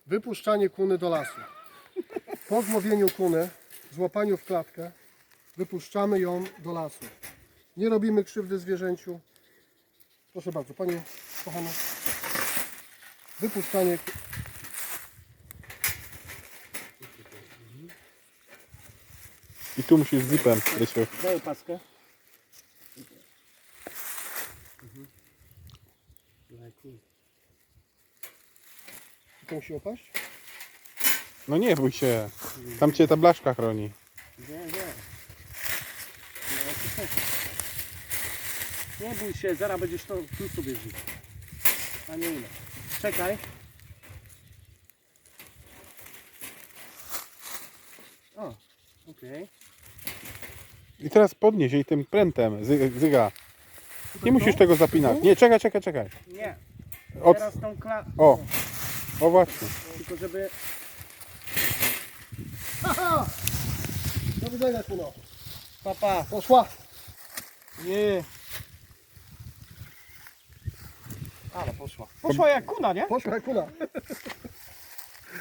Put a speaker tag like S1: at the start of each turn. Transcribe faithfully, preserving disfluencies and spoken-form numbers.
S1: Wypuszczanie kuny do lasu. Po złowieniu kuny, złapaniu w klatkę, wypuszczamy ją do lasu. Nie robimy krzywdy zwierzęciu. Proszę bardzo, Pani kochana. Wypuszczanie.
S2: I tu musisz zipem, Rysiu.
S3: Daj opaskę.
S1: To musi opaść?
S2: No nie bój się. Tam cię ta blaszka chroni.
S3: Nie, nie. No, to też. Nie bój się, zaraz będziesz to tu sobie żyć. A nie ile. Czekaj. O, okej.
S2: I teraz podnieś jej tym prętem, zy, zyga. Nie musisz tego zapinać. Nie, czekaj, czekaj, czekaj.
S3: Nie.
S2: Od...
S3: Teraz tą kla...
S2: O, o właśnie.
S3: Tylko żeby...
S1: Haha! Do widzenia, kuno.
S3: Papa.
S1: Poszła.
S3: Nie. Ale poszła. Poszła jak kuna, nie?
S1: Poszła jak kuna.